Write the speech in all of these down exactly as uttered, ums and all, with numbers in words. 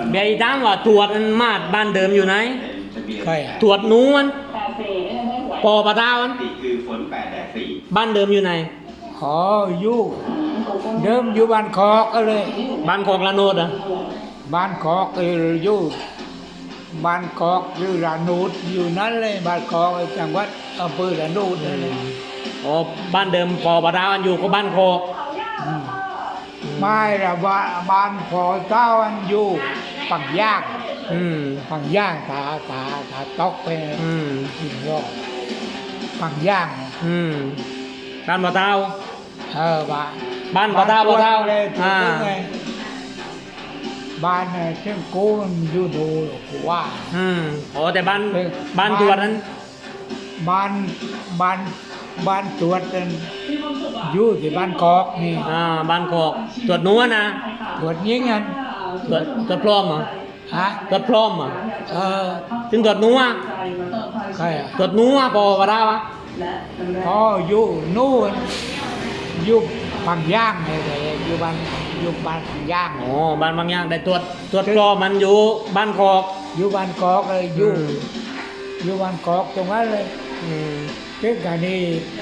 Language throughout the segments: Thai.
เบียร์ถามว่าตรวจมันมาดบ้านเดิมอยู่ไหนใครตรวจหนูมันปอปะตามันคือฝนแปดแดดสี่บ้านเดิมอยู่ไหนอ๋ออยู่เดิมอยู่บ้านคอกก็เลยบ้านของละโนดอ่ะบ้านคอกเอออยู่บ้านคอกอยู่ระนูดอยู่นั่นเลยบ้านคอกจังหวัดอำเภอระนูดนั่นเลยอ๋อบ้านเดิมปอปะตามันอยู่ก็บ้านโคกอืมไม่ละบ้านบ้านพอเจ้าอันอยู่ฝั่งย่างอืมฝั่งย่างตาตาตาตอกไปอืมหินรอกฝั่งย่างอืมบ้านปะตาเออบ้านบ้านปะตาปะตาเลยอ่าไงบ้านเนี่ยเช่นกูมันอยู่ดูกูว่าอืมอ๋อแต่บ้านเออบ้านตรวจนั้นบ้านบ้านบ้านตรวจนั้นอยู่ที่บ้านกอกนี่อ่าบ้านโคกตรวจหนูอะนะตรวจยิงกันตรวจตรวจพร้อมเหรอฮะตรวจพร้อมเหรอเออถึงตรวจหนูอ่ะใครอ่ะตรวจหนูอ่ะปอปะตาวะอ๋ออยู่นู่นอยู่ฝั่งย่างเลยแต่อยู่บ้านอยู่บ้านฝั่งย่างอ๋อบ้านบางอย่างแต่ตรวจตรวจพร้อมมันอยู่บ้านโคกอยู่บ้านกอกเลยอยู่อืมอยู่บ้านกอกตรงนั้นเลยอืมเช่นกันนี่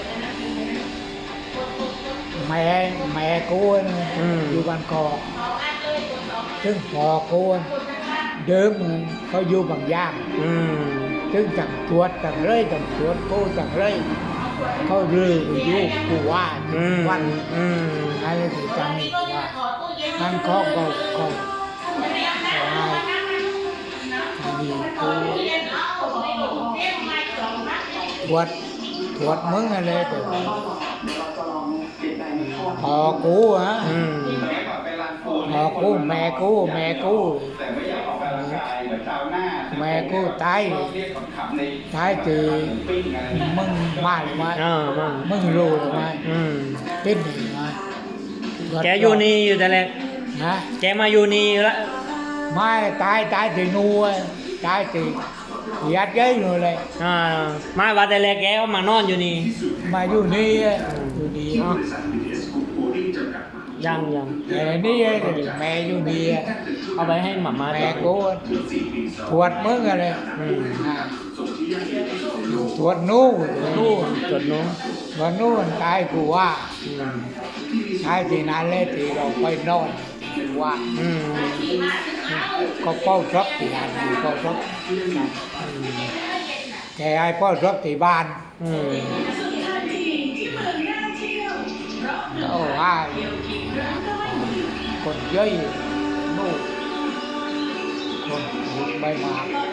แม่แม่กูนะอยู่บ้านกอกซึ่งพ่อกูเดิมเขาอยู่บางย่างอืมซึ่งต่างตรวจต่างเลยต่างตรวจกูต่างเลยเขาลืออยู่กูว่าอืมวันอืมอะไรที่จำอีกว่านั่นเขาก็ก็ว่าอันนี้กูตรวจตรวจมึงอะไรแต่พอกูฮะอืมสมัยก่อนไปลานปูนพอกูแม่กูแม่กูแต่ไม่อยากออกกำลังกายเหมือนชาวนาแม่กูตายเรียกขำๆในตายตีปิ้งอะไรนะมึงมาหรือไม่อ่ามามึงรู้หรือไม่อืมเป็นหรือไม่แกอยู่นี่อยู่แต่แรกฮะแกมาอยู่นี่ละไม่ตายตายตีนูอะตายตียัดเย้ยอยู่เลยอ่ามาว่าแต่แรกแกก็มานอนอยู่นี่มาอยู่นี่อะอยู่นี่เนาะยังยังแต่นี่อะแม่อยู่นี่อะเอาไปให้หมาม่าแม่กูอะตรวจมึงอะไรอืมอ่าตรวจนู่นนู่นจดหนูวันนู่นตายกูว่าอืมตายที่นั่นเลยที่เราไปนอนกูว่าอืมก็เป้ารับที่นั่นเป้ารับแกไอ้เป้ารับที่บ้านอืมก็ว่าคนเยอะนู่นคนใบมา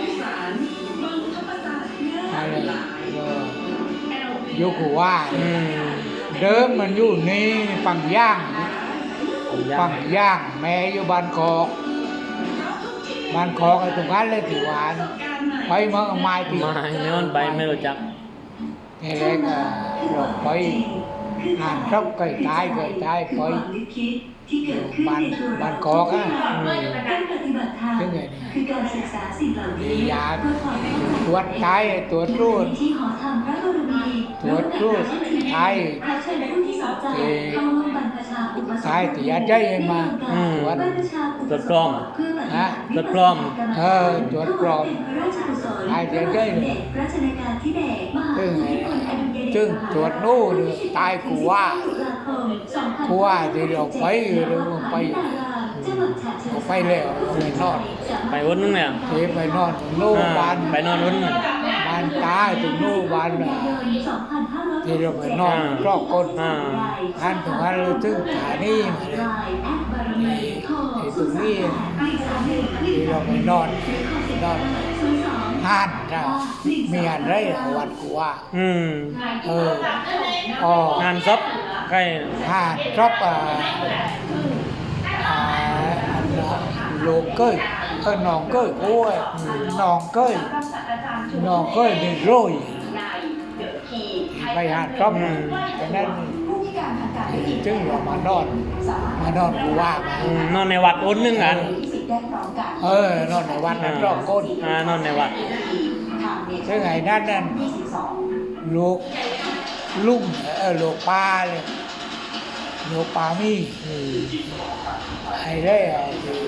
อะไรเอออยู่กูว่าอืมเดิมมันอยู่นี่ฝั่งย่างยัฝั่งงย่างแม่อยู่บ้านคอกบ้านคอกไอ้ตรงนั้นเลยที่หวานไปเมื่อไม้ที่มาไม่มันไปไม่รู้จักทีแรกอะเราไปอ่านรบไก่ตายไก่ตายไปบ้านบ้านคอกอ่ะอืมถึงไงคือการศึกษาสิ่งเหล่านี้ยาเพื่อความเป็นตรวจตายตรวจรูดที่หอธรรมพระบรมีตรวจรูดตายพระเชิญผู้ที่สนใจเข้าร่วมบรรพชาอุปสมบทตายที่ยัดใจมาอืมตรวจบรรพชาอุปตรวจสกล้องมบทเพื่อปฏิฮะบัติตรวจกล้องเออตรวจกรองพระราชกุศลตายที่ยัดใจเด็กรัชกาลที่เบศมหาซึ่งภูมิพลอดุลยเดชซึ่งตรวจนู่นตายกูว่าตุลาคมสองพันกูว่าที่เราไปหรือว่าไปจังหวัดฉะเชิงกูเทราไปแล้วไปนอนไปวันนึงเนี่ยที่ไปนอนตรงนู่นอ่าบ้านไปนอนวันนึงบ้านตายตรงนู่นบ้านน่ะที่เราไปนอนรอบก้นอ่าท่านตรงนั้นเราถึงฐานีมาเลยที่ตรงนี้ที่เราไปนอนนอนห้านจ้ะมีอะไรเอาวัดกูว่าอืมเอออ๋องานซบใกล้ห้านชอบอ่าอ่าอันน่ะโลกเก้ยเออหนองเก้ยกูเอ้ยหนองเก้ยหนองเก้ยนี่โรยไปหาชอบแต่นั้นจึงเรามานอนมานอนกูว่ามาอืมนอนในวัดอนนึงกันเออนอนในวัดนั้นรอบก้นอ่านอนในวัดซึ่งไอ้นั่นนั่นลูกลุ่มเออลูกปลาเลยลูกปลามีอืมไอ้ได้อะที่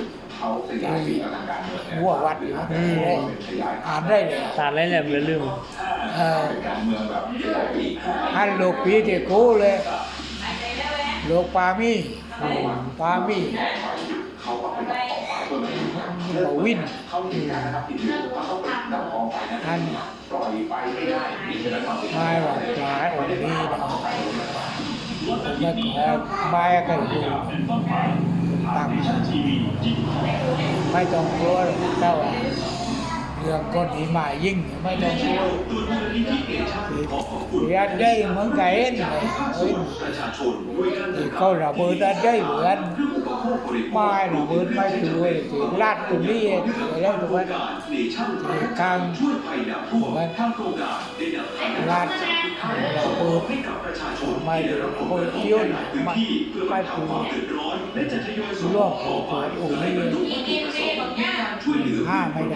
เขาขยายปีอลังการหัววัดอยู่อืมอ่านได้เลยตัดอะไรแหลมเลยลืมเออการเมืองแบบขยายปีอันโลกปีที่กูเลยโลกปามีปามีเขาก็ไปดักของฝ่ายตัวนี้บวินเขามีการนะครับที่อยู่เขาต้องไปดักของฝ่ายนั้นอันปล่อยไปไม่ได้นี่คือความผิดไม่ว่าปลายองค์นี้นะไม่ขอไม่กันอยู่ตั้งไม่ต้องกลัวหรอกเจ้าเรื่องก้อนหิมะยิ่งไม่ต้องกลัวเรียนได้เหมือนกันเองเอ้ยที่เขาระเบิดได้เหมือนไม่ระเบิดไม่ช่วยที่ลาดตรงนี้เองแล้วถูกไหมที่กลางมันลาดระเบิดไม่ระเบิดเที่ยวไม่ไม่ถูกร่วมขององค์นี้ห้าไม่ได้